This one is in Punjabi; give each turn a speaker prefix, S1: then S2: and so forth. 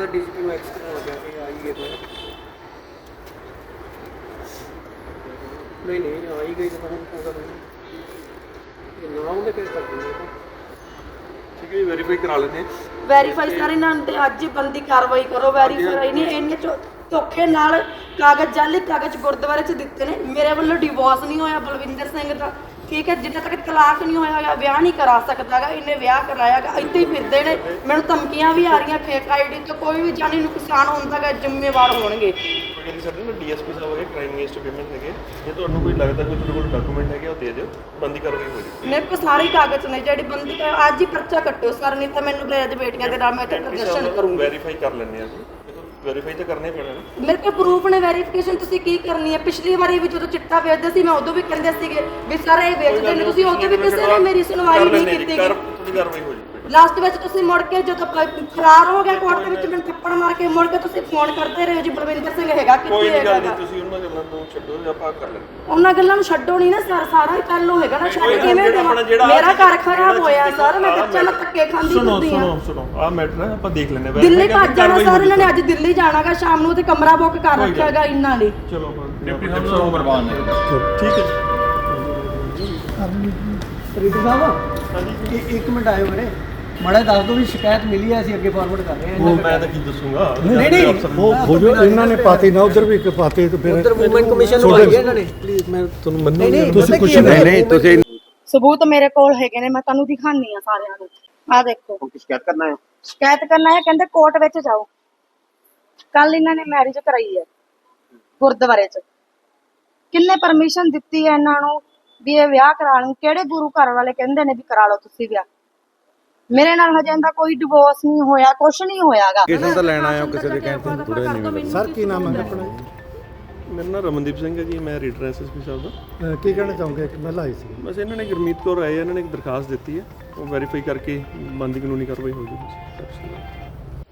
S1: ਡੀਸੀਪੀ ਨੂੰ ਐਕਸ ਕਰਨਾ ਲੱਗਿਆ ਕਿ ਆਈ ਗਏ ਨਹੀਂ ਨਹੀਂ ਆਈ ਗਈ ਤਾਂ ਹੁਣ ਪੂਰਾ ਨਹੀਂ ਨਾ ਉਹਦੇ ਫਿਰ ਕਰ ਦਿੰਦੇ ਠੀਕ ਹੈ ਵੈਰੀਫਾਈ ਕਰਾ ਲੈਂਦੇ
S2: ਵੈਰੀਫਾਈ ਸਾਰੇ ਇਹਨਾਂ ਤੇ ਅੱਜ ਬੰਦੀ ਕਾਰਵਾਈ ਕਰੋ ਵੈਰੀਫਾਈ ਨਹੀਂ ਇਹਨੇ ਧੋਖੇ ਨਾਲ ਕਾਗਜ਼ ਜਾਲੀ ਕਾਗਜ਼ ਗੁਰਦੁਆਰੇ 'ਚ ਦਿੱਤੇ ਨੇ ਮੇਰੇ ਵੱਲੋਂ ਡਿਵੋਰਸ ਨਹੀਂ ਹੋਇਆ ਬਲਵਿੰਦਰ ਸਿੰਘ ਦਾ ਠੀਕ ਹੈ ਜਿੰਨਾ ਤੱਕ ਤਲਾਕ ਨਹੀਂ ਹੋਇਆ ਵਿਆਹ ਨਹੀਂ ਕਰਾ ਸਕਦਾਗਾ ਇਹਨੇ ਵਿਆਹ ਕਰਾਇਆਗਾ ਇੱਥੇ ਹੀ ਫਿਰਦੇ ਨੇ ਮੈਨੂੰ ਧਮਕੀਆਂ ਵੀ ਆ ਰਹੀਆਂ ਫੇਕ ਆਈਡੀ ਤੋਂ ਕੋਈ ਵੀ ਜਾਨੀ ਨੁਕਸਾਨ ਹੁੰਦਾਗਾ ਜ਼ਿੰਮੇਵਾਰ ਹੋਣਗੇ
S3: ਕਹਿੰਦੀ ਸਾਡੇ ਨਾ ਡੀਐਸਪੀ ਸਾਹਿਬ ਹੈਗੇ ਕ੍ਰਾਈਮ ਅਗੇਂਸਟ ਵਿਮਨ ਹੈਗੇ ਜੇ ਤੁਹਾਨੂੰ ਕੋਈ ਲੱਗਦਾ ਕੋਈ ਤੁਹਾਡੇ ਕੋਲ ਡਾਕੂਮੈਂਟ ਹੈਗੇ ਉਹ ਦੇ ਦਿਓ ਬੰਦੀ ਕਾਰਵਾਈ ਹੋ ਜਾਊਗੀ
S2: ਮੇਰੇ ਕੋਲ ਸਾਰੇ ਕਾਗਜ਼ ਨੇ ਜਿਹੜੀ ਬੰਦੀ ਅੱਜ ਹੀ ਪਰਚਾ ਕੱਟੋ ਸਰ ਨਹੀਂ ਤਾਂ ਮੈਨੂੰ ਲੈ ਬੇਟੀਆਂ ਦੇ ਨਾਲ ਮੈਂ ਇੱਥੇ ਪ੍ਰਦਰਸ਼ਨ ਕਰੂੰਗੀ
S3: ਵੈਰੀਫਾਈ ਕਰ ਲੈਂਦੇ ਆ ਜੀ ਵੈਰੀਫਾਈ ਤਾਂ ਕਰਨਾ ਹੀ ਪੈਣਾ ਨਾ
S2: ਮੇਰੇ ਕੋਲ ਪ੍ਰੂਫ ਨੇ ਵੈਰੀਫਿਕੇਸ਼ਨ ਤੁਸੀਂ ਕੀ ਕਰਨੀ ਹੈ ਪਿਛਲੀ ਵਾਰੀ ਵੀ ਜਦੋਂ ਚਿੱਟਾ ਵੇਚਦੇ ਸੀ ਮੈਂ ਉਦੋਂ ਵੀ ਕਹਿੰਦੇ ਸੀਗੇ ਵੀ ਸਰ ਇਹ ਵੇਚਦੇ ਨੇ ਤੁਸੀਂ ਉਦੋਂ ਵੀ ਕਿਸੇ ਨੇ ਮੇਰੀ ਸੁਣਵਾਈ ਨਹੀਂ ਕੀਤੀ
S3: ਤੁਹਾਡੀ ਕਾਰਵਾਈ ਹੋ ਜਾਊਗੀ
S2: ਲਾਸਟ ਵਿੱਚ ਤੁਸੀਂ ਮੁੜ ਕੇ ਜਦੋਂ ਫਰਾਰ ਹੋ ਗਿਆ ਕੋਰਟ ਦੇ ਵਿੱਚ ਮੈਨੂੰ ਥੱਪੜ ਮਾਰ ਕੇ ਮੁੜ ਕੇ ਤੁਸੀਂ ਫੋਨ ਕਰਦੇ ਰਹੇ ਜੀ ਬਲਵਿੰਦਰ ਸਿੰਘ ਹੈਗਾ
S3: ਕੋਈ
S2: ਕਿੱਥੇ
S3: ਨਹੀਂ ਗੱਲ
S2: ਹੈਗਾ
S3: ਨਹੀਂ ਤੁਸੀਂ ਉਹਨਾਂ ਗੱਲਾਂ ਨੂੰ ਛੱਡੋ ਜਾਂ ਆਪਾਂ ਕਰ ਲੈਂਦੇ
S2: ਉਹਨਾਂ ਗੱਲਾਂ ਨੂੰ ਛੱਡੋ ਨਹੀਂ ਨਾ ਸਰ ਸਾਰਾ ਹੀ ਪਹਿਲੋਂ ਹੈਗਾ ਨਾ ਛੱਡ ਕਿਵੇਂ ਦੇਵਾਂ ਮੇਰਾ ਘਰ ਖਰਾਬ ਹੋਇਆ ਸਰ ਮੈਂ ਬੱਚਾ ਨਾਲ ਧੱਕੇ ਖਾਂਦੀ ਫਿਰਦੀ ਆ
S3: ਸੁਣੋ ਆਹ ਮੈਟਰ ਹੈ ਆਪਾਂ ਦੇਖ ਲੈਂਦੇ
S2: ਦਿੱਲੀ ਭੱਜ ਜਾਣਾ ਸਰ ਇਹਨਾਂ ਨੇ ਅੱਜ ਦਿੱਲੀ ਜਾਣਾਗਾ ਸ਼ਾਮ ਨੂੰ ਤੇ ਕਮਰਾ ਬੁੱਕ ਕਰ ਰੱਖਿਆਗਾ ਇਹਨਾਂ ਨੇ
S3: ਚਲੋ ਡਿਪਟੀ ਸਾਹਿਬ ਨੂੰ ਕੁਰਬਾਨ ਨੇ ਠੀਕ ਹੈ
S1: ਰੀਟੂ ਸਾਹਿਬ ਹਾਂਜੀ ਇੱਕ ਮਿੰਟ ਆਇਓ ਵੀਰੇ ਮਾੜਾ ਦੱਸ ਦਿਓ ਵੀ ਸ਼ਿਕਾਇਤ ਮਿਲੀ ਹੈ ਅਸੀਂ ਅੱਗੇ ਫਾਰਵਰਡ ਕਰ ਰਹੇ ਹਾਂ
S3: ਉਹ ਮੈਂ ਤਾਂ ਕੀ ਦੱਸੂਗਾ
S1: ਨਹੀਂ
S4: ਉਹ ਹੋ ਜੋ ਇਹਨਾਂ ਨੇ ਪਾਤੀ ਨਾ ਉਧਰ ਵੀ ਇੱਕ ਪਾਤੀ ਤੇ ਫਿਰ
S1: ਉਧਰ ਮੂਵਮੈਂਟ ਕਮਿਸ਼ਨ ਨੂੰ ਆਈ ਹੈ ਇਹਨਾਂ ਨੇ ਪਲੀਜ਼ ਮੈਂ ਤੁਹਾਨੂੰ ਮੰਨੂ
S4: ਤੁਸੀਂ ਕੁਝ ਨਹੀਂ ਤੁਸੀਂ
S2: ਸਬੂਤ ਮੇਰੇ ਕੋਲ ਹੈਗੇ ਨੇ ਮੈਂ ਤੁਹਾਨੂੰ ਦਿਖਾਣੀ ਆ ਸਾਰਿਆਂ ਨੂੰ ਆ ਦੇਖੋ
S3: ਸ਼ਿਕਾਇਤ ਕਰਨਾ ਹੈ
S2: ਸ਼ਿਕਾਇਤ ਕਰਨਾ ਹੈ ਕਹਿੰਦੇ ਕੋਰਟ ਵਿੱਚ ਜਾਓ ਕੱਲ ਇਹਨਾਂ ਨੇ ਮੈਰਿਜ ਕਰਾਈ ਹੈ ਗੁਰਦੁਆਰੇ 'ਚ ਕਿੰਨੇ ਪਰਮਿਸ਼ਨ ਦਿੱਤੀ ਹੈ ਇਹਨਾਂ ਨੂੰ ਵੀ ਇਹ ਵਿਆਹ ਕਰਾ ਲੈਣ ਕਿਹੜੇ ਗੁਰੂ ਘਰ ਵਾਲੇ ਕਹਿੰਦੇ ਨੇ ਵੀ ਕਰਾ ਲਓ ਤੁਸੀਂ ਵਿਆਹ ਮੇਰੇ ਨਾਲ ਹਜੇ ਇਹਦਾ ਕੋਈ ਡਿਵੋਰਸ ਨਹੀਂ ਹੋਇਆ ਕੁਝ ਨਹੀਂ ਹੋਇਆਗਾ
S4: ਕਿਸੇ ਦਾ ਲੈਣ ਆਇਆ ਕਿਸੇ ਦੇ ਕਹਿੰਦੇ ਥੋੜੇ ਨਹੀਂ ਸਰ ਕੀ ਨਾਮ ਹੈ ਆਪਣਾ
S3: ਮੇਰਾ ਨਾਮ ਰਮਨਦੀਪ ਸਿੰਘ ਹੈ ਜੀ ਮੈਂ ਰੀਡਰ ਐਸਐਸਪੀ ਸਾਹਿਬ ਦਾ
S4: ਕੀ ਕਹਿਣਾ ਚਾਹੋਗੇ ਕਿ ਮਹਿਲਾ ਆਈ ਸੀ
S3: ਬਸ ਇਹਨਾਂ ਨੇ ਗੁਰਮੀਤ ਕੌਰ ਆਏ ਇਹਨਾਂ ਨੇ ਇੱਕ ਦਰਖਾਸਤ ਦਿੱਤੀ ਹੈ ਉਹ ਵੈਰੀਫਾਈ ਕਰਕੇ ਬਣਦੀ ਕਾਨੂੰਨੀ ਕਾਰਵਾਈ ਹੋ ਜਾਊਗੀ